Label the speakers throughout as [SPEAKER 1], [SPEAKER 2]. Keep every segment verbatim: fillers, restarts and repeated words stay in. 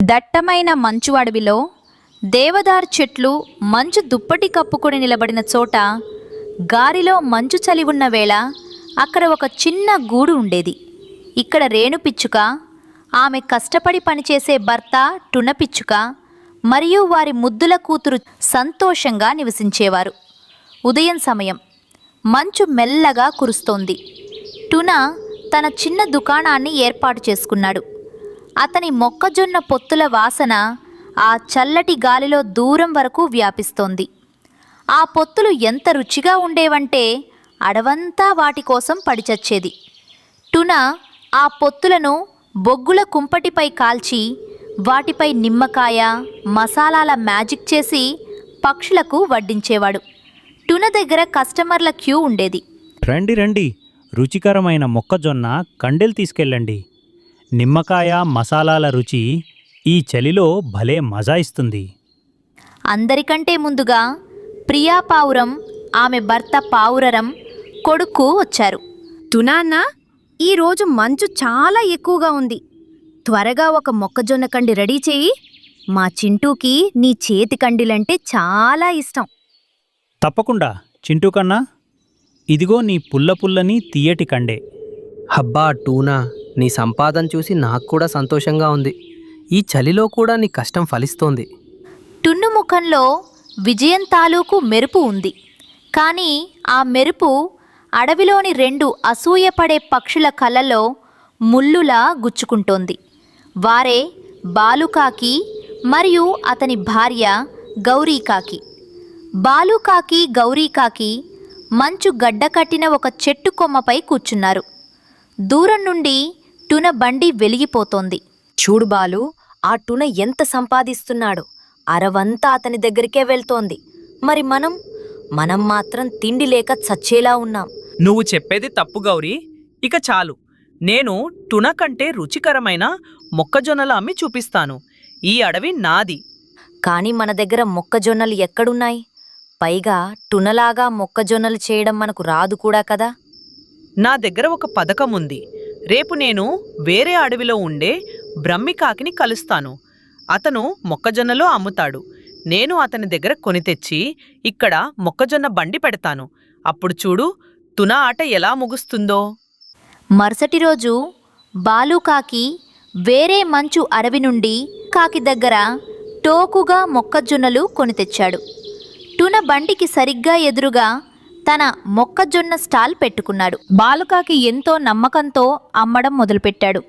[SPEAKER 1] దట్టమైన మంచు అడవిలో దేవదారు చెట్లు మంచు దుప్పటి కప్పుకొని నిలబడిన చోట గాలిలో మంచు చలి ఉన్న వేళ అక్కడ ఒక చిన్న గూడు ఉండేది. ఇక్కడ రేణుపిచ్చుక, ఆమె కష్టపడి పనిచేసే భర్త టునపిచ్చుక మరియు వారి ముద్దుల కూతురు సంతోషంగా నివసించేవారు. ఉదయం సమయం, మంచు మెల్లగా కురుస్తోంది. టున తన చిన్న దుకాణాన్ని ఏర్పాటు చేసుకున్నాడు. అతని మొక్కజొన్న పొత్తుల వాసన ఆ చల్లటి గాలిలో దూరం వరకు వ్యాపిస్తోంది. ఆ పొత్తులు ఎంత రుచిగా ఉండేవంటే అడవంతా వాటి కోసం పడిచచ్చేది. టున ఆ పొత్తులను బొగ్గుల కుంపటిపై కాల్చి వాటిపై నిమ్మకాయ, మసాలాల మ్యాజిక్ చేసి పక్షులకు వడ్డించేవాడు. టున దగ్గర కస్టమర్ల క్యూ ఉండేది.
[SPEAKER 2] రండి రండి, రుచికరమైన మొక్కజొన్న కండెలు తీసుకెళ్ళండి. నిమ్మకాయ, మసాలాల రుచి ఈ చలిలో భలే మజా ఇస్తుంది.
[SPEAKER 1] అందరికంటే ముందుగా ప్రియా పావురం, ఆమె భర్త పావురరం కొడుకు వచ్చారు.
[SPEAKER 3] టునాన్న, ఈరోజు మంచు చాలా ఎక్కువగా ఉంది. త్వరగా ఒక మొక్కజొన్న కండి రెడీ చేయి. మా చింటూకి నీ చేతి కండిలంటే చాలా ఇష్టం.
[SPEAKER 2] తప్పకుండా చింటూ కన్నా, ఇదిగో నీ పుల్ల పుల్లని తీయటి కండే.
[SPEAKER 4] హబ్బా టూనా, నీ సంపాదన చూసి నాకు కూడా సంతోషంగా ఉంది. ఈ చలిలో కూడా నీ కష్టం ఫలిస్తోంది.
[SPEAKER 1] టున్ను ముఖంలో విజయం తాలూకు మెరుపు ఉంది. కానీ ఆ మెరుపు అడవిలోని రెండు అసూయపడే పక్షుల కళ్ళలో ముల్లులా గుచ్చుకుంటోంది. వారే బాలుకాకి మరియు అతని భార్య గౌరీకాకి. బాలుకాకి, గౌరీకాకి మంచు గడ్డకట్టిన ఒక చెట్టు కొమ్మపై కూర్చున్నారు. దూరం నుండి టున బండి వెలిగిపోతోంది.
[SPEAKER 3] చూడు బాలు, ఆ టున ఎంత సంపాదిస్తున్నాడో. అరవంతా అతని దగ్గరికే వెళ్తోంది. మరి మనం మనం మాత్రం తిండి లేక చచ్చేలా ఉన్నాం.
[SPEAKER 5] నువ్వు చెప్పేది తప్పు గౌరీ. ఇక చాలు. నేను టున కంటే రుచికరమైన మొక్కజొన్నలు అమ్మి చూపిస్తాను. ఈ అడవి నాది.
[SPEAKER 3] కాని మన దగ్గర మొక్కజొన్నలు ఎక్కడున్నాయి? పైగా టునలాగా మొక్కజొన్నలు చేయడం మనకు రాదు కూడా కదా.
[SPEAKER 5] నా దగ్గర ఒక పథకం ఉంది. రేపు నేను వేరే అడవిలో ఉండే బ్రహ్మికాకిని కలుస్తాను. అతను మొక్కజొన్నలో అమ్ముతాడు. నేను అతని దగ్గర కొని తెచ్చి ఇక్కడ మొక్కజొన్న బండి పెడతాను. అప్పుడు చూడు, టున ఆట ఎలా ముగుస్తుందో.
[SPEAKER 1] మరుసటి రోజు బాలుకాకి వేరే మంచు అడవి నుండి కాకి దగ్గర టోకుగా మొక్కజొన్నలు కొని తెచ్చాడు. టున బండికి సరిగ్గా ఎదురుగా తన మొక్కజొన్న స్టాల్ పెట్టుకున్నాడు. బాలుకాకి ఎంతో నమ్మకంతో అమ్మడం మొదలుపెట్టాడు.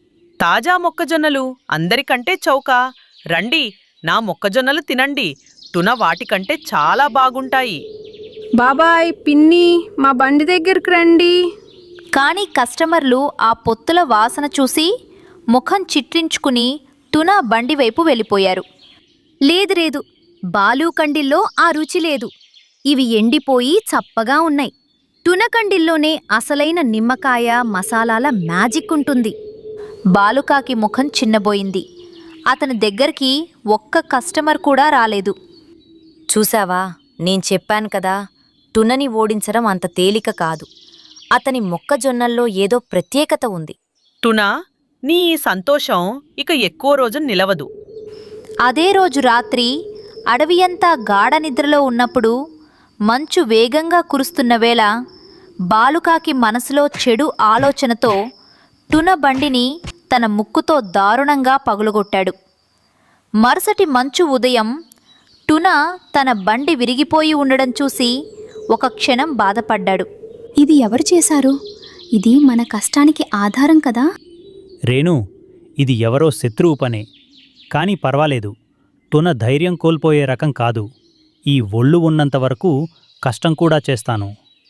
[SPEAKER 5] తాజా మొక్కజొన్నలు అందరికంటే చౌక. రండి, నా మొక్కజొన్నలు తినండి. టున వాటికంటే చాలా బాగుంటాయి.
[SPEAKER 6] బాబాయ్, పిన్ని, మా బండి దగ్గరికి రండి.
[SPEAKER 1] కానీ కస్టమర్లు ఆ పొత్తుల వాసన చూసి ముఖం చిట్లించుకుని టున బండి వైపు వెళ్ళిపోయారు.
[SPEAKER 3] లేదు లేదు, బాలూకండిల్లో ఆ రుచి లేదు. ఇవి ఎండిపోయి చప్పగా ఉన్నాయి. టునకండిల్లోనే అసలైన నిమ్మకాయ, మసాలాల మ్యాజిక్ ఉంటుంది.
[SPEAKER 1] బాలుకాకి ముఖం చిన్నబోయింది. అతని దగ్గరికి ఒక్క కస్టమర్ కూడా రాలేదు.
[SPEAKER 3] చూసావా, నేను చెప్పాను కదా, టునని ఓడించడం అంత తేలిక కాదు. అతని మొక్కజొన్నల్లో ఏదో ప్రత్యేకత ఉంది.
[SPEAKER 5] టున, నీ ఈ సంతోషం ఇక ఎక్కువ రోజు నిలవదు.
[SPEAKER 1] అదే రోజు రాత్రి అడవియంతా గాఢ నిద్రలో ఉన్నప్పుడు మంచు వేగంగా కురుస్తున్న వేళ బాలుకాకి మనసులో చెడు ఆలోచనతో టున బండిని తన ముక్కుతో దారుణంగా పగులగొట్టాడు. మరుసటి మంచు ఉదయం టున తన బండి విరిగిపోయి ఉండడం చూసి ఒక క్షణం బాధపడ్డాడు.
[SPEAKER 7] ఇది ఎవరు చేశారు? ఇది మన కష్టానికి ఆధారం కదా.
[SPEAKER 2] రేణు, ఇది ఎవరో శత్రువు పనే. కానీ పర్వాలేదు, టున ధైర్యం కోల్పోయే రకం కాదు. ఈ ఒళ్ళు ఉన్నంతవరకు కష్టం కూడా చేస్తాను.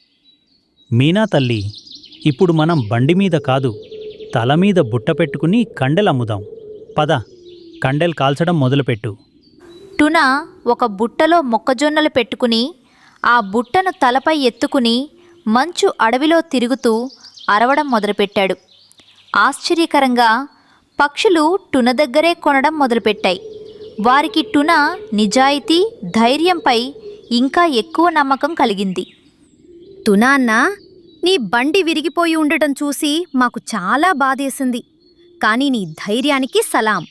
[SPEAKER 2] మీనా తల్లి, ఇప్పుడు మనం బండి మీద కాదు, తల మీద బుట్ట పెట్టుకుని కండెలమ్ముదాం. పద, కండెలు కాల్చడం మొదలుపెట్టు.
[SPEAKER 1] టున ఒక బుట్టలో మొక్కజొన్నలు పెట్టుకుని ఆ బుట్టను తలపై ఎత్తుకుని మంచు అడవిలో తిరుగుతూ అరవడం మొదలుపెట్టాడు. ఆశ్చర్యకరంగా పక్షులు టున దగ్గరే కొనడం మొదలుపెట్టాయి. వారికి టున నిజాయితీ, ధైర్యంపై ఇంకా ఎక్కువ నమ్మకం కలిగింది.
[SPEAKER 3] టునాన్న, నీ బండి విరిగిపోయి ఉండటం చూసి మాకు చాలా బాధేసింది. కానీ నీ ధైర్యానికి సలాం.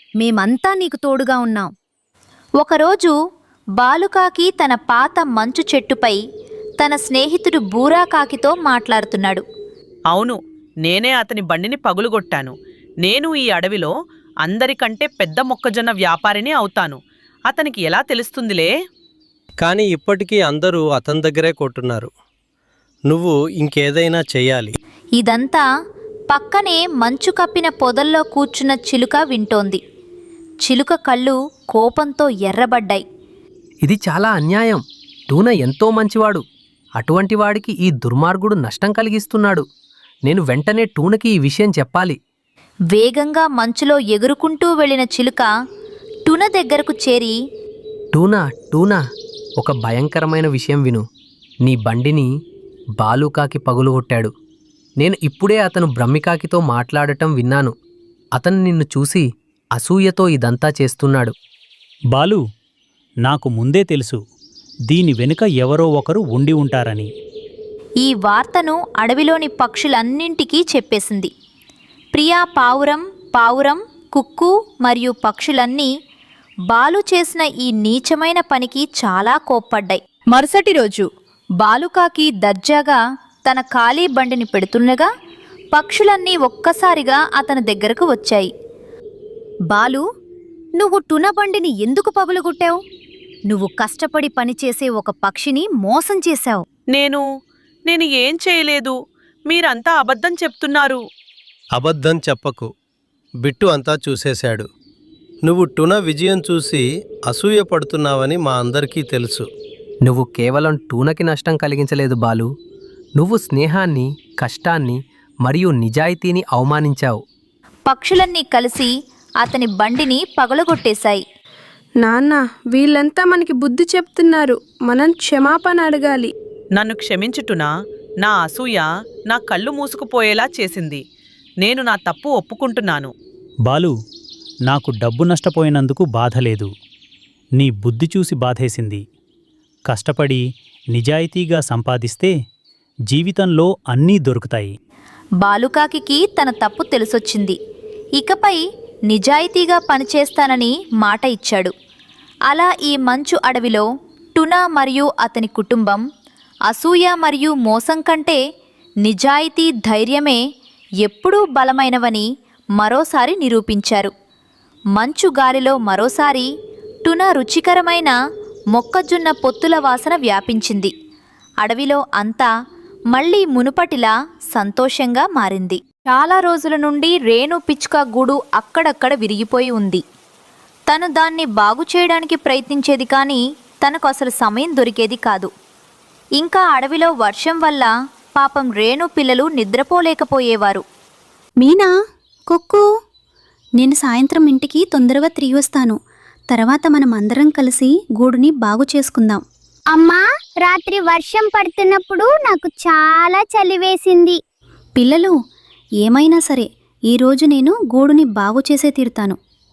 [SPEAKER 3] మేమంతా నీకు తోడుగా ఉన్నాం.
[SPEAKER 1] ఒకరోజు బాలుకాకి తన పాత మంచు చెట్టుపై తన స్నేహితుడు బూరాకాకితో మాట్లాడుతున్నాడు.
[SPEAKER 5] అవును, నేనే అతని బండిని పగులుగొట్టాను. నేను ఈ అడవిలో అందరికంటే పెద్ద మొక్కజొన్న వ్యాపారిని అవుతాను. అతనికి ఎలా తెలుస్తుందిలే?
[SPEAKER 8] కానీ ఇప్పటికీ అందరూ అతని దగ్గరే కొంటున్నారు. నువ్వు ఇంకేదైనా చెయ్యాలి.
[SPEAKER 1] ఇదంతా పక్కనే మంచు కప్పిన పొదల్లో కూర్చున్న చిలుక వింటోంది. చిలుక కళ్ళు కోపంతో ఎర్రబడ్డాయి.
[SPEAKER 4] ఇది చాలా అన్యాయం. టూనా ఎంతో మంచివాడు. అటువంటి వాడికి ఈ దుర్మార్గుడు నష్టం కలిగిస్తున్నాడు. నేను వెంటనే టూనకి ఈ విషయం చెప్పాలి.
[SPEAKER 1] వేగంగా మంచులో ఎగురుకుంటూ వెళ్ళిన చిలుక టున దగ్గరకు చేరి,
[SPEAKER 4] టూనా టూనా ఒక భయంకరమైన విషయం విను. నీ బండిని బాలుకాకి పగులుగొట్టాడు. నేను ఇప్పుడే అతను బ్రహ్మికాకితో మాట్లాడటం విన్నాను. అతను నిన్ను చూసి అసూయతో ఇదంతా చేస్తున్నాడు.
[SPEAKER 2] బాలు, నాకు ముందే తెలుసు దీని వెనుక ఎవరో ఒకరు ఉండి ఉంటారని.
[SPEAKER 1] ఈ వార్తను అడవిలోని పక్షులన్నింటికీ చెప్పేసింది. ప్రియా పావురం, పావురం, కుక్కు మరియు పక్షులన్నీ బాలు చేసిన ఈ నీచమైన పనికి చాలా కోప్పడ్డాయి. మరుసటి రోజు బాలుకాకి దర్జాగా తన ఖాళీ బండిని పెడుతుండగా పక్షులన్నీ ఒక్కసారిగా అతని దగ్గరకు వచ్చాయి.
[SPEAKER 3] బాలు, నువ్వు టున బండిని ఎందుకు పగులుగొట్టావు? నువ్వు కష్టపడి పనిచేసే ఒక పక్షిని మోసం చేశావు.
[SPEAKER 5] నేను నేను ఏం చేయలేదు. మీరంతా అబద్ధం చెప్తున్నారు.
[SPEAKER 8] అబద్ధం చెప్పకు. బిట్టు అంతా చూసేశాడు. నువ్వు టున విజయం చూసి అసూయ పడుతున్నావని మా అందరికీ తెలుసు.
[SPEAKER 4] నువ్వు కేవలం టూనకి నష్టం కలిగించలేదు బాలు. నువ్వు స్నేహాన్ని, కష్టాన్ని మరియు నిజాయితీని అవమానించావు.
[SPEAKER 1] పక్షులన్నీ కలిసి అతని బండిని పగలగొట్టేశాయి.
[SPEAKER 6] నాన్న, వీళ్ళంతా మనకి బుద్ధి చెప్తున్నారు. మనం క్షమాపణ అడగాలి.
[SPEAKER 5] నన్ను క్షమించుటునా. నా అసూయ నా కళ్ళు మూసుకుపోయేలా చేసింది. నేను నా తప్పు ఒప్పుకుంటున్నాను.
[SPEAKER 2] బాలు, నాకు డబ్బు నష్టపోయినందుకు బాధ లేదు. నీ బుద్ధి చూసి బాధేసింది. కష్టపడి నిజాయితీగా సంపాదిస్తే జీవితంలో అన్నీ దొరుకుతాయి.
[SPEAKER 1] బాలుకాకి తన తప్పు తెలిసొచ్చింది. ఇకపై నిజాయితీగా పనిచేస్తానని మాట ఇచ్చాడు. అలా ఈ మంచు అడవిలో టునా మరియు అతని కుటుంబం అసూయ మరియు మోసం కంటే నిజాయితీ, ధైర్యమే ఎప్పుడూ బలమైనవని మరోసారి నిరూపించారు. మంచు గాలిలో మరోసారి టునా రుచికరమైన మొక్కజొన్న పొత్తుల వాసన వ్యాపించింది. అడవిలో అంతా మళ్ళీ మునుపటిలా సంతోషంగా మారింది. చాలా రోజుల నుండి రేణు పిచ్చుక గూడు అక్కడక్కడ విరిగిపోయి ఉంది. తను దాన్ని బాగు చేయడానికి ప్రయత్నించేది కానీ తనకు అసలు సమయం దొరికేది కాదు. ఇంకా అడవిలో వర్షం వల్ల పాపం రేణు పిల్లలు నిద్రపోలేకపోయేవారు.
[SPEAKER 7] మీనా, కుక్కు, నేను సాయంత్రం ఇంటికి తొందరగా తిరిగి వస్తాను. తర్వాత మనం అందరం కలిసి గూడుని బాగు చేసుకుందాం.
[SPEAKER 9] అమ్మా, రాత్రి వర్షం పడుతున్నప్పుడు నాకు చాలా చలి వేసింది.
[SPEAKER 7] పిల్లలు, ఏమైనా సరే ఈరోజు నేను గూడుని బాగు చేసే తీరుతాను.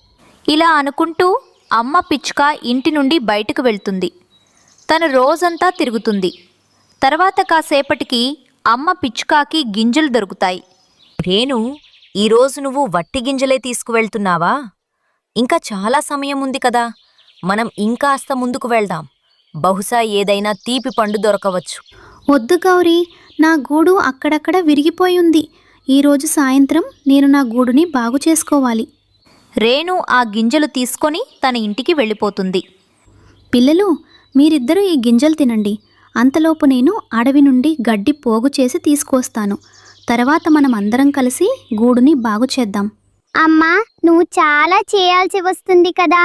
[SPEAKER 1] ఇలా అనుకుంటూ అమ్మ పిచ్చుక ఇంటి నుండి బయటకు వెళ్తుంది. తను రోజంతా తిరుగుతుంది. తర్వాత కాసేపటికి అమ్మ పిచ్చుకాకి గింజలు దొరుకుతాయి.
[SPEAKER 3] రేణు, ఈరోజు నువ్వు వట్టి గింజలే తీసుకువెళ్తున్నావా? ఇంకా చాలా సమయం ఉంది కదా. మనం ఇంకాస్త ముందుకు వెళ్దాం. బహుశా ఏదైనా తీపి పండు దొరకవచ్చు.
[SPEAKER 7] వద్దు గౌరీ, నా గూడు అక్కడక్కడ విరిగిపోయి ఉంది. ఈరోజు సాయంత్రం నేను నా గూడుని బాగు చేసుకోవాలి.
[SPEAKER 1] రేణు ఆ గింజలు తీసుకొని తన ఇంటికి వెళ్ళిపోతుంది.
[SPEAKER 7] పిల్లలు, మీరిద్దరూ ఈ గింజలు తినండి. అంతలోపు నేను అడవి నుండి గడ్డి పోగు చేసి తీసుకొస్తాను. తర్వాత మనం అందరం కలిసి గూడుని బాగు చేద్దాం.
[SPEAKER 9] అమ్మా, నువ్వు చాలా చేయాల్సి వస్తుంది కదా.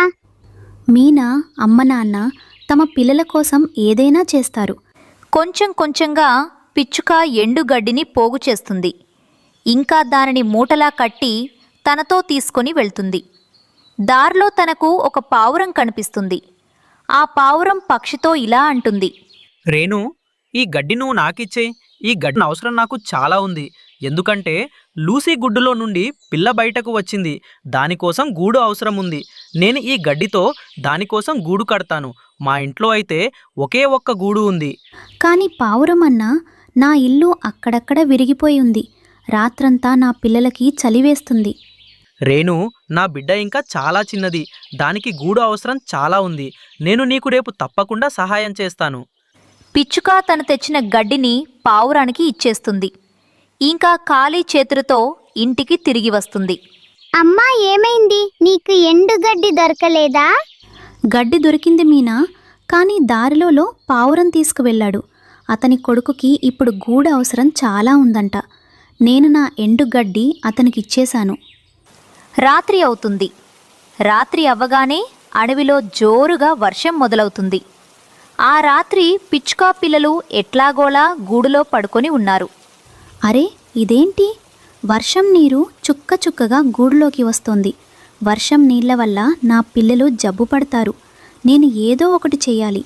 [SPEAKER 7] మీనా అమ్మ నాన్న తమ పిల్లల కోసం ఏదైనా చేస్తారు.
[SPEAKER 1] కొంచెం కొంచెంగా పిచ్చుక ఎండుగడ్డిని పోగు చేస్తుంది. ఇంకా దానిని మూటలా కట్టి తనతో తీసుకొని వెళ్తుంది. దారిలో తనకు ఒక పావురం కనిపిస్తుంది. ఆ పావురం పక్షితో ఇలా అంటుంది.
[SPEAKER 4] రేణు, ఈ గడ్డి నువ్వు నాకిచ్చే. ఈ గడ్డి అవసరం నాకు చాలా ఉంది. ఎందుకంటే లూసీ గుడ్డులో నుండి పిల్ల బయటకు వచ్చింది. దానికోసం గూడు అవసరం ఉంది. నేను ఈ గడ్డితో దానికోసం గూడు కడతాను. మా ఇంట్లో అయితే ఒకే ఒక్క గూడు ఉంది.
[SPEAKER 7] కానీ పావురమన్నా, నా ఇల్లు అక్కడక్కడ విరిగిపోయి ఉంది. రాత్రంతా నా పిల్లలకి చలివేస్తుంది.
[SPEAKER 4] రేణు, నా బిడ్డ ఇంకా చాలా చిన్నది, దానికి గూడు అవసరం చాలా ఉంది. నేను నీకు రేపు తప్పకుండా సహాయం చేస్తాను.
[SPEAKER 1] పిచ్చుక తను తెచ్చిన గడ్డిని పావురానికి ఇచ్చేస్తుంది. ఇంకా ఖాళీ చేతులతో ఇంటికి తిరిగి వస్తుంది.
[SPEAKER 9] అమ్మా ఏమైంది? నీకు ఎండుగడ్డి దొరకలేదా?
[SPEAKER 7] గడ్డి దొరికింది మీనా, కానీ దారిలో పావురం తీసుకువెళ్ళాడు. అతని కొడుకుకి ఇప్పుడు గూడు అవసరం చాలా ఉందంట. నేను నా ఎండుగడ్డి అతనికి ఇచ్చేశాను.
[SPEAKER 1] రాత్రి అవుతుంది. రాత్రి అవ్వగానే అడవిలో జోరుగా వర్షం మొదలవుతుంది. ఆ రాత్రి పిచ్చుక పిల్లలు ఎట్లాగోలా గూడులో పడుకొని ఉన్నారు.
[SPEAKER 7] అరే ఇదేంటి? వర్షం నీరు చుక్క చుక్కగా గూడులోకి వస్తోంది. వర్షం నీళ్ల వల్ల నా పిల్లలు జబ్బు పడతారు. నేను ఏదో ఒకటి చెయ్యాలి.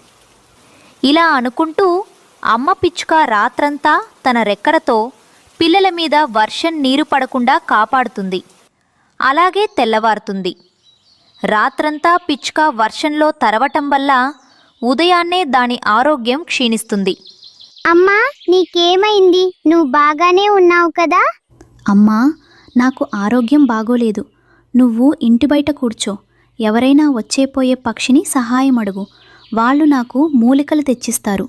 [SPEAKER 1] ఇలా అనుకుంటూ అమ్మ పిచ్చుక రాత్రంతా తన రెక్కలతో పిల్లల మీద వర్షం నీరు పడకుండా కాపాడుతుంది. అలాగే తెల్లవారుతుంది. రాత్రంతా పిచ్చుక వర్షంలో తరవటం వల్ల ఉదయాన్నే దాని ఆరోగ్యం క్షీణిస్తుంది.
[SPEAKER 9] అమ్మా నీకేమైంది? నువ్వు బాగానే ఉన్నావు కదా?
[SPEAKER 7] అమ్మా, నాకు ఆరోగ్యం బాగోలేదు. నువ్వు ఇంటి బయట కూర్చో. ఎవరైనా వచ్చేపోయే పక్షిని సహాయం అడుగు. వాళ్ళు నాకు మూలికలు తెచ్చిస్తారు.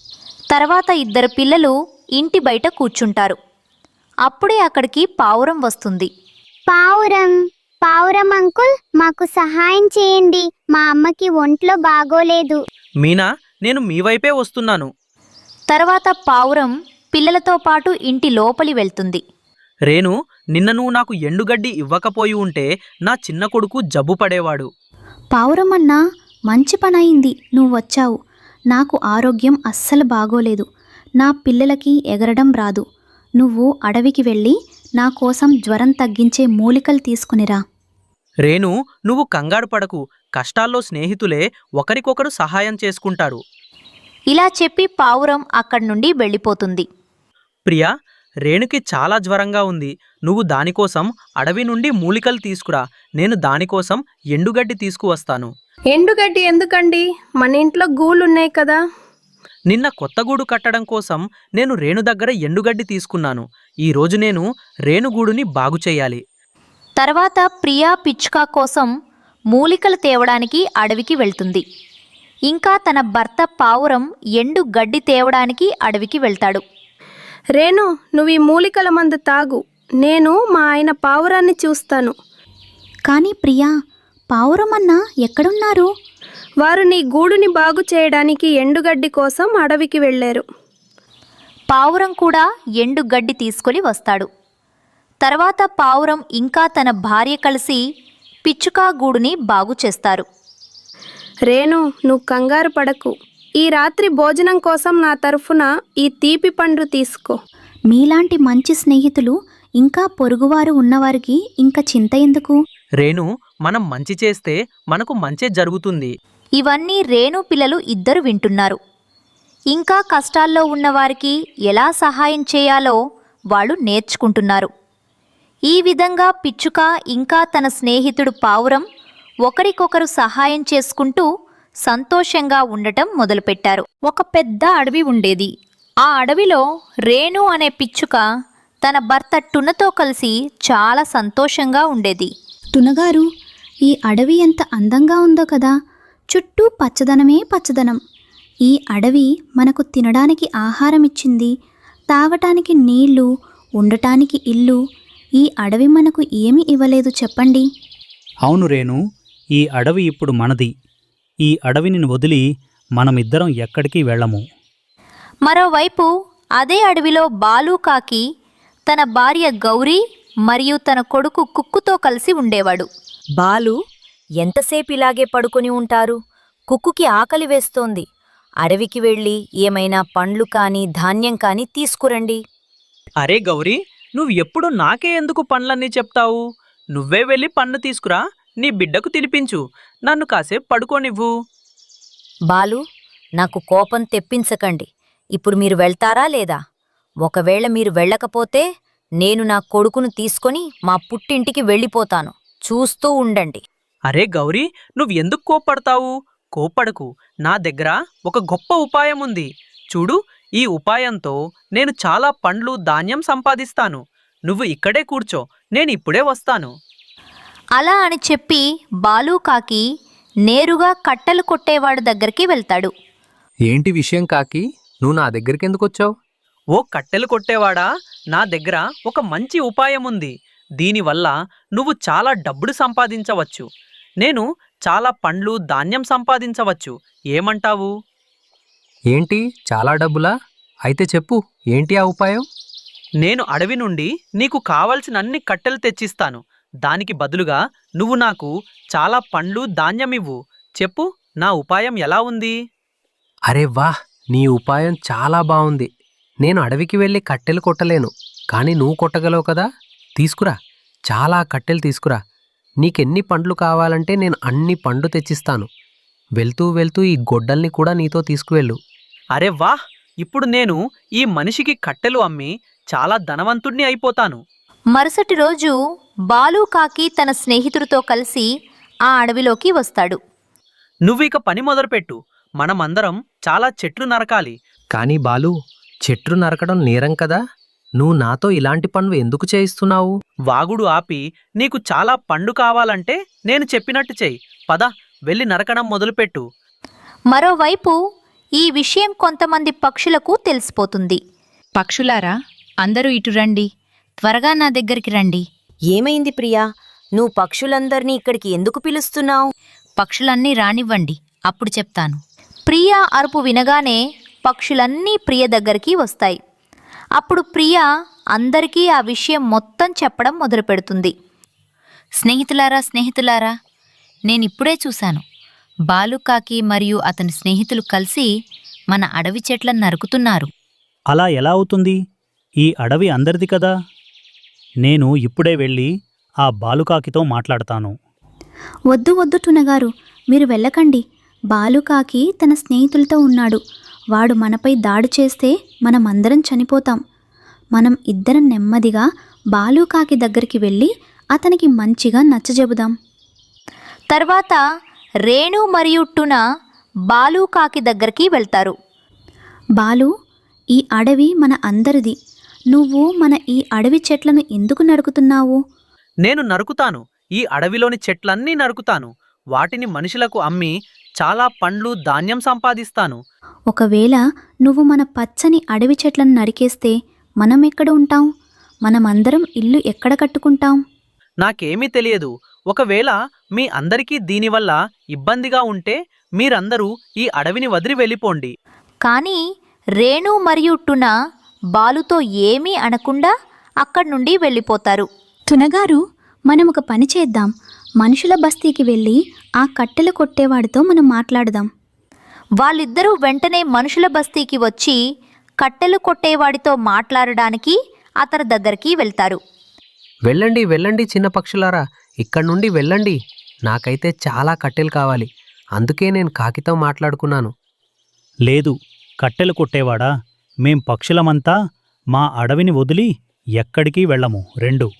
[SPEAKER 1] తర్వాత ఇద్దరు పిల్లలు ఇంటి బయట కూర్చుంటారు. అప్పుడే అక్కడికి పావురం వస్తుంది.
[SPEAKER 9] పావురం పావురం అంకుల్, మాకు సహాయం చేయండి. మా అమ్మకి ఒంట్లో బాగోలేదు.
[SPEAKER 4] మీనా, నేను మీ వైపే వస్తున్నాను.
[SPEAKER 1] తర్వాత పావురం పిల్లలతో పాటు ఇంటి లోపలి వెళ్తుంది.
[SPEAKER 4] రేణు, నిన్న నువ్వు నాకు ఎండుగడ్డి ఇవ్వకపోయి ఉంటే నా చిన్న కొడుకు జబ్బు పడేవాడు.
[SPEAKER 7] పావురమన్నా, మంచి పనయింది నువ్వు వచ్చావు. నాకు ఆరోగ్యం అస్సలు బాగోలేదు. నా పిల్లలకి ఎగరడం రాదు. నువ్వు అడవికి వెళ్ళి నా కోసం జ్వరం తగ్గించే మూలికలు తీసుకునిరా.
[SPEAKER 4] రేణు, నువ్వు కంగారు పడకు. కష్టాల్లో స్నేహితులే ఒకరికొకరు సహాయం చేసుకుంటారు.
[SPEAKER 1] ఇలా చెప్పి పావురం అక్కడి నుండి వెళ్ళిపోతుంది.
[SPEAKER 4] ప్రియా, రేణుకి చాలా జ్వరంగా ఉంది. నువ్వు దానికోసం అడవి నుండి మూలికలు తీసుకురా. నేను దానికోసం ఎండుగడ్డి తీసుకువస్తాను.
[SPEAKER 6] ఎండుగడ్డి ఎందుకండి? మన ఇంట్లో గూళ్ళున్నాయి కదా.
[SPEAKER 4] నిన్న కొత్త గూడు కట్టడం కోసం నేను రేణు దగ్గర ఎండుగడ్డి తీసుకున్నాను. ఈరోజు నేను రేణుగూడుని బాగు చేయాలి.
[SPEAKER 1] తర్వాత ప్రియా పిచ్చుక కోసం మూలికలు తేవడానికి అడవికి వెళ్తుంది. ఇంకా తన భర్త పావురం ఎండు గడ్డి తేవడానికి అడవికి వెళ్తాడు.
[SPEAKER 6] రేణు, నువ్వు ఈ మూలికల మందు తాగు. నేను మా ఆయన పావురాన్ని చూస్తాను.
[SPEAKER 7] కానీ ప్రియా, పావురమన్నా ఎక్కడున్నారు?
[SPEAKER 6] వారు నీ గూడుని బాగు చేయడానికి ఎండుగడ్డి కోసం అడవికి వెళ్ళారు.
[SPEAKER 1] పావురం కూడా ఎండు గడ్డి తీసుకొని వస్తాడు. తర్వాత పావురం ఇంకా తన భార్య కలిసి పిచ్చుక గూడుని బాగు చేస్తారు.
[SPEAKER 6] రేణు, నువ్వు కంగారు పడకు. ఈ రాత్రి భోజనం కోసం నా తరఫున ఈ తీపి పండు తీసుకో.
[SPEAKER 7] మీలాంటి మంచి స్నేహితులు ఇంకా పొరుగువారు ఉన్నవారికి ఇంకా చింత ఎందుకు?
[SPEAKER 4] రేణు, మనం మంచి చేస్తే మనకు మంచే జరుగుతుంది.
[SPEAKER 1] ఇవన్నీ రేణు పిల్లలు ఇద్దరు వింటున్నారు. ఇంకా కష్టాల్లో ఉన్నవారికి ఎలా సహాయం చేయాలో వాళ్ళు నేర్చుకుంటున్నారు. ఈ విధంగా పిచ్చుక ఇంకా తన స్నేహితుడు పావురం ఒకరికొకరు సహాయం చేసుకుంటూ సంతోషంగా ఉండటం మొదలుపెట్టారు. ఒక పెద్ద అడవి ఉండేది. ఆ అడవిలో రేణు అనే పిచ్చుక తన భర్త టునతో కలిసి చాలా సంతోషంగా ఉండేది.
[SPEAKER 7] తునగారు, ఈ అడవి ఎంత అందంగా ఉందో కదా. చుట్టూ పచ్చదనమే పచ్చదనం. ఈ అడవి మనకు తినడానికి ఆహారం ఇచ్చింది, తాగటానికి నీళ్లు, ఉండటానికి ఇల్లు. ఈ అడవి మనకు ఏమి ఇవ్వలేదు చెప్పండి.
[SPEAKER 2] అవును రేణు, ఈ అడవి ఇప్పుడు మనది. ఈ అడవిని వదిలి మనమిద్దరం ఎక్కడికి వెళ్ళము.
[SPEAKER 1] మరోవైపు అదే అడవిలో బాలుకాకి తన భార్య గౌరీ మరియు తన కొడుకు కుక్కుతో కలిసి ఉండేవాడు.
[SPEAKER 3] బాలు, ఎంతసేపు ఇలాగే పడుకొని ఉంటారు? కుక్కుకి ఆకలి వేస్తోంది. అడవికి వెళ్ళి ఏమైనా పండ్లు కాని ధాన్యం కాని తీసుకురండి.
[SPEAKER 4] అరే గౌరీ, నువ్వు ఎప్పుడు నాకే ఎందుకు పండ్లన్నీ చెప్తావు? నువ్వే వెళ్ళి పండు తీసుకురా, నీ బిడ్డకు తినిపించు, నన్ను కాసేపు పడుకోనివ్వు.
[SPEAKER 3] బాలు, నాకు కోపం తెప్పించకండి. ఇప్పుడు మీరు వెళ్తారా లేదా? ఒకవేళ మీరు వెళ్ళకపోతే నేను నా కొడుకును తీసుకొని మా పుట్టింటికి వెళ్ళిపోతాను. చూస్తూ ఉండండి.
[SPEAKER 4] అరే గౌరీ, నువ్వు ఎందుకు కోప్పడతావు? కోప్పడకు. నా దగ్గర ఒక గొప్ప ఉపాయం ఉంది. చూడు, ఈ ఉపాయంతో నేను చాలా పండ్లు ధాన్యం సంపాదిస్తాను. నువ్వు ఇక్కడే కూర్చో, నేను ఇప్పుడే వస్తాను.
[SPEAKER 1] అలా అని చెప్పి బాలుకాకి నేరుగా కట్టెలు కొట్టేవాడు దగ్గరికి వెళ్తాడు.
[SPEAKER 10] ఏంటి విషయం కాకి, నువ్వు నా దగ్గరికి ఎందుకు వచ్చావు?
[SPEAKER 4] ఓ కట్టెలు కొట్టేవాడా, నా దగ్గర ఒక మంచి ఉపాయం ఉంది. దీనివల్ల నువ్వు చాలా డబ్బులు సంపాదించవచ్చు. నేను చాలా పండ్లు ధాన్యం సంపాదించవచ్చు. ఏమంటావు?
[SPEAKER 10] ఏంటి, చాలా డబ్బులా? అయితే చెప్పు, ఏంటి ఆ ఉపాయం?
[SPEAKER 4] నేను అడవి నుండి నీకు కావలసిన అన్ని కట్టెలు తెచ్చిస్తాను. దానికి బదులుగా నువ్వు నాకు చాలా పండ్లు ధాన్యమివ్వు. చెప్పు, నా ఉపాయం ఎలా ఉంది?
[SPEAKER 10] అరే వాహ్, నీ ఉపాయం చాలా బాగుంది. నేను అడవికి వెళ్ళి కట్టెలు కొట్టలేను, కానీ నువ్వు కొట్టగలవు కదా. తీసుకురా, చాలా కట్టెలు తీసుకురా. నీకెన్ని పండ్లు కావాలంటే నేను అన్ని పండ్లు తెచ్చిస్తాను. వెళ్తూ వెళ్తూ ఈ గొడ్డల్ని కూడా నీతో తీసుకువెళ్ళు.
[SPEAKER 4] అరే వాహ్, ఇప్పుడు నేను ఈ మనిషికి కట్టెలు అమ్మి చాలా ధనవంతుణ్ణి అయిపోతాను.
[SPEAKER 1] మరుసటి రోజు బాలుకాకి తన స్నేహితుడితో కలిసి ఆ అడవిలోకి వస్తాడు.
[SPEAKER 4] నువ్విక పని మొదలుపెట్టు. మనమందరం చాలా చెట్లు నరకాలి.
[SPEAKER 10] కానీ బాలు, చెట్లు నరకడం నేరం కదా. నువ్వు నాతో ఇలాంటి పనులు ఎందుకు చేయిస్తున్నావు?
[SPEAKER 4] వాగుడు ఆపి, నీకు చాలా పండు కావాలంటే నేను చెప్పినట్టు చెయ్యి. పద, వెళ్ళి నరకడం మొదలుపెట్టు.
[SPEAKER 1] మరోవైపు ఈ విషయం కొంతమంది పక్షులకు తెలిసిపోతుంది.
[SPEAKER 11] పక్షులారా, అందరూ ఇటు రండి, త్వరగా నా దగ్గరికి రండి.
[SPEAKER 3] ఏమైంది ప్రియా, నువ్వు పక్షులందర్నీ ఇక్కడికి ఎందుకు పిలుస్తున్నావు?
[SPEAKER 11] పక్షులన్నీ రానివ్వండి, అప్పుడు చెప్తాను.
[SPEAKER 1] ప్రియా అరుపు వినగానే పక్షులన్నీ ప్రియ దగ్గరికి వస్తాయి. అప్పుడు ప్రియ అందరికీ ఆ విషయం మొత్తం చెప్పడం మొదలుపెడుతుంది.
[SPEAKER 11] స్నేహితులారా స్నేహితులారా నేనిప్పుడే చూశాను. బాలుకాకి మరియు అతని స్నేహితులు కలిసి మన అడవి చెట్లను నరుకుతున్నారు.
[SPEAKER 2] అలా ఎలా అవుతుంది? ఈ అడవి అందరిది కదా. నేను ఇప్పుడే వెళ్ళి ఆ బాలుకాకితో మాట్లాడతాను.
[SPEAKER 7] వద్దు వద్దు టునగారు, మీరు వెళ్ళకండి. బాలుకాకి తన స్నేహితులతో ఉన్నాడు. వాడు మనపై దాడి చేస్తే మనమందరం చనిపోతాం. మనం ఇద్దరం నెమ్మదిగా బాలుకాకి దగ్గరికి వెళ్ళి అతనికి మంచిగా నచ్చజెబుదాం.
[SPEAKER 1] తర్వాత రేణు మరియు టున బాలుకాకి దగ్గరికి వెళ్తారు.
[SPEAKER 7] బాలు, ఈ అడవి మన అందరిది. నువ్వు మన ఈ అడవి చెట్లను ఎందుకు నరుకుతున్నావు?
[SPEAKER 4] నేను నరుకుతాను. ఈ అడవిలోని చెట్లన్నీ నరుకుతాను. వాటిని మనుషులకు అమ్మి చాలా పండ్లు ధాన్యం సంపాదిస్తాను.
[SPEAKER 7] ఒకవేళ నువ్వు మన పచ్చని అడవి చెట్లను నరికేస్తే మనం ఎక్కడ ఉంటాం? మనమందరం ఇల్లు ఎక్కడ కట్టుకుంటాం?
[SPEAKER 4] నాకేమీ తెలియదు. ఒకవేళ మీ అందరికీ దీనివల్ల ఇబ్బందిగా ఉంటే మీరందరూ ఈ అడవిని వదిలి వెళ్ళిపోండి.
[SPEAKER 1] కానీ రేణు మరియు టున బాలుతో ఏమీ అనకుండా అక్కడి నుండి వెళ్ళిపోతారు.
[SPEAKER 7] టునగారు, మనం ఒక పని చేద్దాం. మనుషుల బస్తీకి వెళ్ళి ఆ కట్టెలు కొట్టేవాడితో మనం మాట్లాడదాం.
[SPEAKER 1] వాళ్ళిద్దరూ వెంటనే మనుషుల బస్తీకి వచ్చి కట్టెలు కొట్టేవాడితో మాట్లాడడానికి అతని దగ్గరికి వెళ్తారు.
[SPEAKER 10] వెళ్ళండి వెళ్ళండి చిన్న పక్షులారా, ఇక్కడి నుండి వెళ్ళండి. నాకైతే చాలా కట్టెలు కావాలి, అందుకే నేను కాకితో మాట్లాడుకున్నాను.
[SPEAKER 2] లేదు, కట్టెలు కొట్టేవాడా, మేం పక్షులమంతా మా అడవిని వదిలి ఎక్కడికి వెళ్ళము. రెండు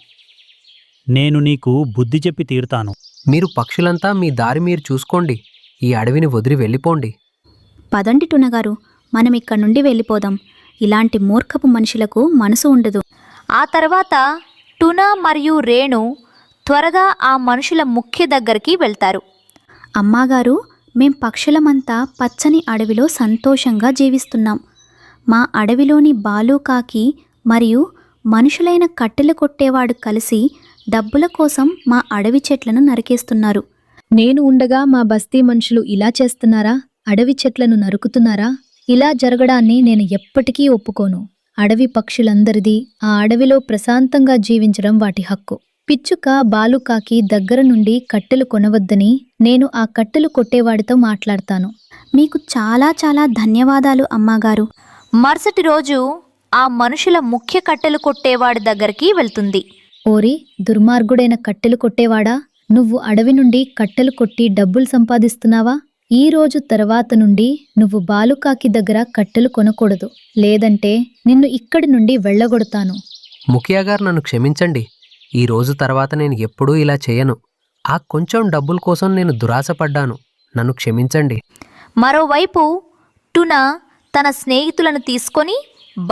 [SPEAKER 2] నేను నీకు బుద్ధి చెప్పి తీరుతాను.
[SPEAKER 10] మీరు పక్షులంతా మీ దారి మీరు చూసుకోండి. ఈ అడవిని వదిలి వెళ్ళిపోండి.
[SPEAKER 7] పదండి టునగారు, మనం ఇక్కడి నుండి వెళ్ళిపోదాం. ఇలాంటి మూర్ఖపు మనుషులకు మనసు ఉండదు.
[SPEAKER 1] ఆ తర్వాత టున మరియు రేణు త్వరగా ఆ మనుషుల ముఖ్య దగ్గరికి వెళ్తారు.
[SPEAKER 7] అమ్మాగారు, మేం పక్షులమంతా పచ్చని అడవిలో సంతోషంగా జీవిస్తున్నాం. మా అడవిలోని బాలుకాకి మరియు మనుషులైన కట్టెలు కొట్టేవాడు కలిసి డబ్బుల కోసం మా అడవి చెట్లను నరికేస్తున్నారు.
[SPEAKER 12] నేను ఉండగా మా బస్తీ మనుషులు ఇలా చేస్తున్నారా? అడవి చెట్లను నరుకుతున్నారా? ఇలా జరగడాన్ని నేను ఎప్పటికీ ఒప్పుకోను. అడవి పక్షులందరిది. ఆ అడవిలో ప్రశాంతంగా జీవించడం వాటి హక్కు. పిచ్చుక బాలుకాకి దగ్గర నుండి కట్టెలు కొనవద్దని నేను ఆ కట్టెలు కొట్టేవాడితో మాట్లాడతాను.
[SPEAKER 7] మీకు చాలా చాలా ధన్యవాదాలు అమ్మాగారు.
[SPEAKER 1] మరుసటి రోజు ఆ మనుషుల ముఖ్య కట్టెలు కొట్టేవాడి దగ్గరికి వెళ్తుంది.
[SPEAKER 12] ఓరి దుర్మార్గుడైన కట్టెలు కొట్టేవాడా, నువ్వు అడవి నుండి కట్టెలు కొట్టి డబ్బులు సంపాదిస్తున్నావా? ఈ రోజు తర్వాత నుండి నువ్వు బాలుకాకి దగ్గర కట్టెలు కొనకూడదు, లేదంటే నిన్ను ఇక్కడి నుండి వెళ్ళగొడతాను.
[SPEAKER 10] ముఖియా గారు, నన్ను క్షమించండి. ఈ రోజు తర్వాత నేను ఎప్పుడూ ఇలా చేయను. ఆ కొంచెం డబ్బుల కోసం నేను దురాశపడ్డాను. నన్ను క్షమించండి.
[SPEAKER 1] మరోవైపు టున తన స్నేహితులను తీసుకొని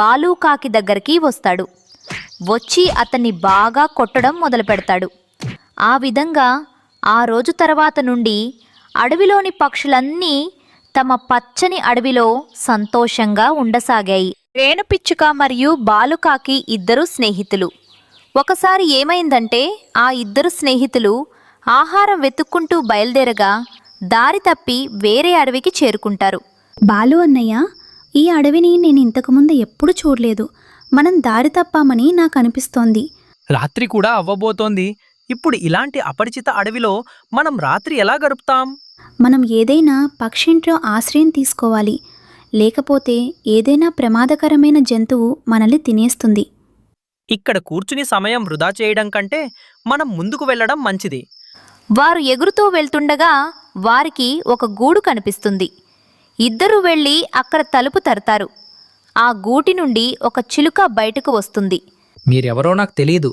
[SPEAKER 1] బాలుకాకి దగ్గరికి వస్తాడు. వచ్చి అతన్ని బాగా కొట్టడం మొదలు పెడతాడు. ఆ విధంగా ఆ రోజు తర్వాత నుండి అడవిలోని పక్షులన్నీ తమ పచ్చని అడవిలో సంతోషంగా ఉండసాగాయి. రేణుపిచ్చుక మరియు బాలుకాకి ఇద్దరు స్నేహితులు. ఒకసారి ఏమైందంటే ఆ ఇద్దరు స్నేహితులు ఆహారం వెతుక్కుంటూ బయలుదేరగా దారి తప్పి వేరే అడవికి చేరుకుంటారు.
[SPEAKER 7] బాలు అన్నయ్య, ఈ అడవిని నేను ఇంతకుముందు ఎప్పుడు చూడలేదు. మనం దారి తప్పామని నాకు అనిపిస్తోంది.
[SPEAKER 4] రాత్రి కూడా అవ్వబోతోంది. ఇప్పుడు ఇలాంటి అపరిచిత అడవిలో మనం రాత్రి ఎలా గడుపుతాం?
[SPEAKER 7] మనం ఏదైనా పక్షింట్లో ఆశ్రయం తీసుకోవాలి, లేకపోతే ఏదైనా ప్రమాదకరమైన జంతువు మనల్ని తినేస్తుంది.
[SPEAKER 4] ఇక్కడ కూర్చుని సమయం వృధా చేయడం కంటే మనం ముందుకు వెళ్ళడం మంచిది.
[SPEAKER 1] వారు ఎగురుతూ వెళ్తుండగా వారికి ఒక గూడు కనిపిస్తుంది. ఇద్దరూ వెళ్ళి అక్కడ తలుపు తరతారు. ఆ గూటి నుండి ఒక చిలుక బయటకు వస్తుంది.
[SPEAKER 5] మీరెవరో నాకు తెలీదు.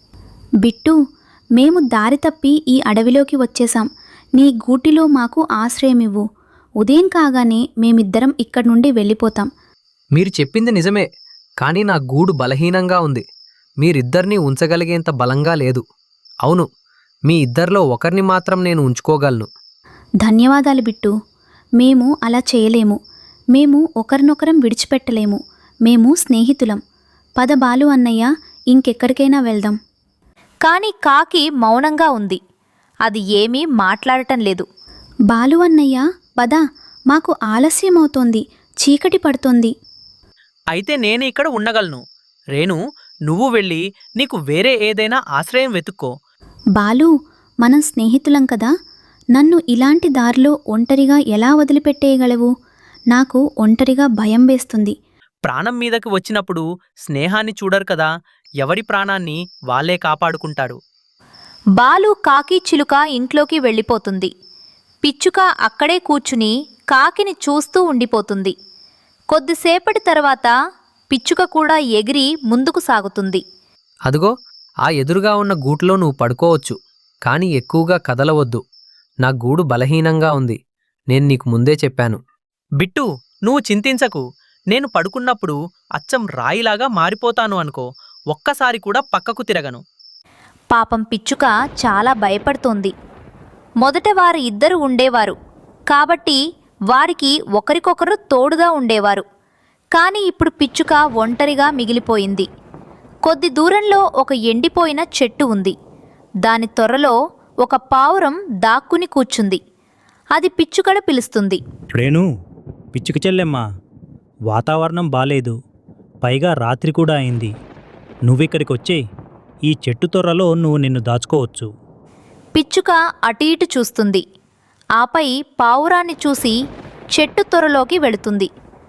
[SPEAKER 7] బిట్టు, మేము దారి తప్పి ఈ అడవిలోకి వచ్చేశాం. నీ గూటిలో మాకు ఆశ్రయమివ్వు. ఉదయం కాగానే మేమిద్దరం ఇక్కడి నుండి వెళ్ళిపోతాం.
[SPEAKER 10] మీరు చెప్పింది నిజమే, కానీ నా గూడు బలహీనంగా ఉంది. మీరిద్దరినీ ఉంచగలిగేంత బలంగా లేదు. అవును, మీ ఇద్దరిలో ఒకరిని మాత్రం నేను ఉంచుకోగలను.
[SPEAKER 7] ధన్యవాదాలు బిట్టు. మేము అలా చేయలేము. మేము ఒకరినొకరం విడిచిపెట్టలేము. మేము స్నేహితులం. పద బాలు అన్నయ్య, ఇంకెక్కడికైనా వెళ్దాం.
[SPEAKER 1] కాని కాకి మౌనంగా ఉంది. అది ఏమీ మాట్లాడటం లేదు.
[SPEAKER 7] బాలు అన్నయ్య, పద, మాకు ఆలస్యమవుతోంది. చీకటి పడుతోంది.
[SPEAKER 4] అయితే నేను ఇక్కడ ఉండగలను. రేణు, నువ్వు వెళ్ళి నీకు వేరే ఏదైనా ఆశ్రయం వెతుక్కో.
[SPEAKER 7] బాలు, మనం స్నేహితులం కదా. నన్ను ఇలాంటి దారిలో ఒంటరిగా ఎలా వదిలిపెట్టేయగలవు? నాకు ఒంటరిగా భయం వేస్తుంది.
[SPEAKER 4] ప్రాణం మీదకి వచ్చినప్పుడు స్నేహాన్ని చూడరు కదా, ఎవరి ప్రాణాన్ని వాళ్ళే కాపాడుకుంటారు.
[SPEAKER 1] బాలు కాకి చిలుక ఇంట్లోకి వెళ్ళిపోతుంది. పిచ్చుక అక్కడే కూర్చుని కాకిని చూస్తూ ఉండిపోతుంది. కొద్దిసేపటి తర్వాత పిచ్చుక కూడా ఎగిరి ముందుకు సాగుతుంది.
[SPEAKER 10] అదిగో, ఆ ఎదురుగా ఉన్న గూట్లో నువ్వు పడుకోవచ్చు, కానీ ఎక్కువగా కదలవద్దు. నా గూడు బలహీనంగా ఉంది. నేను నీకు ముందే చెప్పాను.
[SPEAKER 4] బిట్టు, నువ్వు చింతించకు. నేను పడుకున్నప్పుడు అచ్చం రాయిలాగా మారిపోతాను అనుకో. ఒక్కసారి కూడా పక్కకు తిరగను.
[SPEAKER 1] పాపం పిచ్చుక చాలా భయపడుతోంది. మొదట వారు ఇద్దరు ఉండేవారు కాబట్టి వారికి ఒకరికొకరు తోడుగా ఉండేవారు. కానీ ఇప్పుడు పిచ్చుక ఒంటరిగా మిగిలిపోయింది. కొద్ది దూరంలో ఒక ఎండిపోయిన చెట్టు ఉంది. దాని త్వరలో ఒక పావురం దాక్కుని కూర్చుంది. అది పిచ్చుకను పిలుస్తుంది.
[SPEAKER 2] రేణు, పిచ్చుక చెల్లెమ్మా, వాతావరణం బాలేదు. పైగా రాత్రి కూడా అయింది. నువ్విక్కడికి వచ్చే ఈ చెట్టు తొర్రలో నువ్వు నిన్ను దాచుకోవచ్చు.
[SPEAKER 1] పిచ్చుక అటు ఇటు చూస్తుంది. ఆపై పావురాన్ని చూసి చెట్టు తొర్రలోకి వెళుతుంది.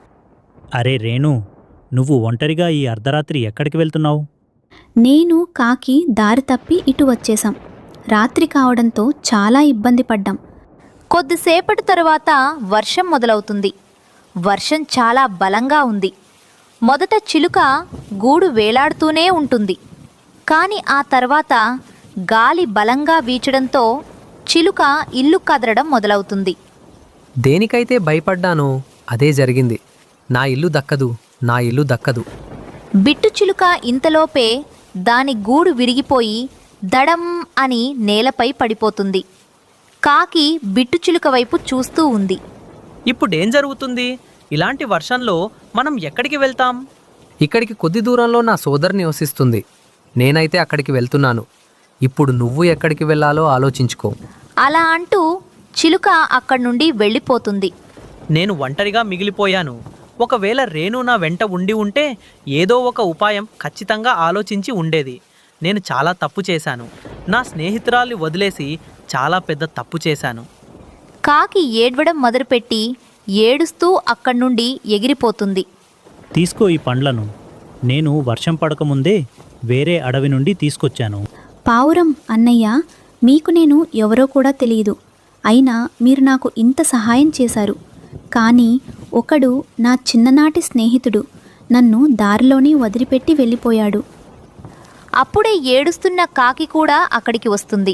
[SPEAKER 2] అరే రేణు, నువ్వు ఒంటరిగా ఈ అర్ధరాత్రి ఎక్కడికి వెళ్తున్నావు?
[SPEAKER 7] నేను కాకి దారి తప్పి ఇటు వచ్చేశాం. రాత్రి కావడంతో చాలా ఇబ్బంది పడ్డాం.
[SPEAKER 1] కొద్దిసేపటి తరువాత వర్షం మొదలవుతుంది. వర్షం చాలా బలంగా ఉంది. మొదట చిలుక గూడు వేలాడుతూనే ఉంటుంది. కానీ ఆ తర్వాత గాలి బలంగా వీచడంతో చిలుక ఇల్లు కదలడం మొదలవుతుంది.
[SPEAKER 10] దేనికైతే భయపడ్డానో అదే జరిగింది. నా ఇల్లు దక్కదు, నా ఇల్లు దక్కదు.
[SPEAKER 1] బిట్టు చిలుక ఇంతలోపే దాని గూడు విరిగిపోయి దడం అని నేలపై పడిపోతుంది. కాకి బిట్టు చిలుక వైపు చూస్తూ ఉంది.
[SPEAKER 4] ఇప్పుడేం జరుగుతుంది? ఇలాంటి వర్షంలో మనం ఎక్కడికి వెళ్తాం?
[SPEAKER 10] ఇక్కడికి కొద్ది దూరంలో నా సోదరి నివసిస్తుంది. నేనైతే అక్కడికి వెళ్తున్నాను. ఇప్పుడు నువ్వు ఎక్కడికి వెళ్ళాలో ఆలోచించుకో.
[SPEAKER 1] అలా అంటూ చిలుక అక్కడి నుండి వెళ్ళిపోతుంది.
[SPEAKER 4] నేను ఒంటరిగా మిగిలిపోయాను. ఒకవేళ రేణు నా వెంట ఉండి ఉంటే ఏదో ఒక ఉపాయం ఖచ్చితంగా ఆలోచించి ఉండేది. నేను చాలా తప్పు చేశాను. నా స్నేహితురాల్ని వదిలేసి చాలా పెద్ద తప్పు చేశాను.
[SPEAKER 1] కాకి ఏడ్వడం మొదలుపెట్టి ఏడుస్తూ అక్కడి నుండి ఎగిరిపోతుంది.
[SPEAKER 2] తీసుకో ఈ పండ్లను. నేను వర్షం పడకముందే వేరే అడవి నుండి తీసుకొచ్చాను.
[SPEAKER 7] పావురం అన్నయ్య, మీకు నేను ఎవరో కూడా తెలియదు. అయినా మీరు నాకు ఇంత సహాయం చేశారు. కానీ ఒకడు నా చిన్ననాటి స్నేహితుడు నన్ను దారిలోనే వదిలిపెట్టి వెళ్ళిపోయాడు.
[SPEAKER 1] అప్పుడే ఏడుస్తున్న కాకి కూడా అక్కడికి వస్తుంది.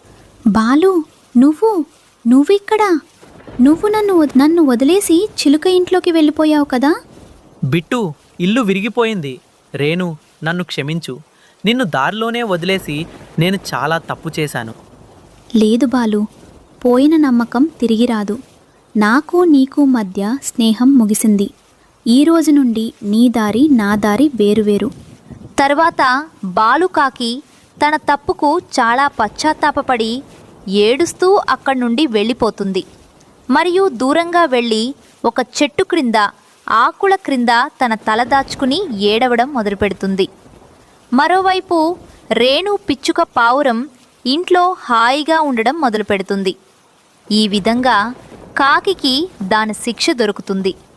[SPEAKER 7] బాలు, నువ్వు నువ్విక్కడా? నువ్వు నన్ను వద్- నన్ను వదిలేసి చిలుక ఇంట్లోకి వెళ్ళిపోయావు కదా?
[SPEAKER 4] బిట్టు, ఇల్లు విరిగిపోయింది. రేణు, నన్ను క్షమించు. నిన్ను దారిలోనే వదిలేసి నేను చాలా తప్పు చేశాను.
[SPEAKER 7] లేదు బాలు, పోయిన నమ్మకం తిరిగి రాదు. నాకు నీకు మధ్య స్నేహం ముగిసింది. ఈ రోజు నుండి నీ దారి నా దారి వేరువేరు.
[SPEAKER 1] తర్వాత బాలుకాకి తన తప్పుకు చాలా పశ్చాత్తాపపడి ఏడుస్తూ అక్కడి నుండి వెళ్ళిపోతుంది. మరియు దూరంగా వెళ్ళి ఒక చెట్టు క్రింద ఆకుల క్రింద తన తల దాచుకుని ఏడవడం మొదలుపెడుతుంది. మరోవైపు రేణు పిచ్చుక పావురం ఇంట్లో హాయిగా ఉండడం మొదలుపెడుతుంది. ఈ విధంగా కాకికి దాని శిక్ష దొరుకుతుంది.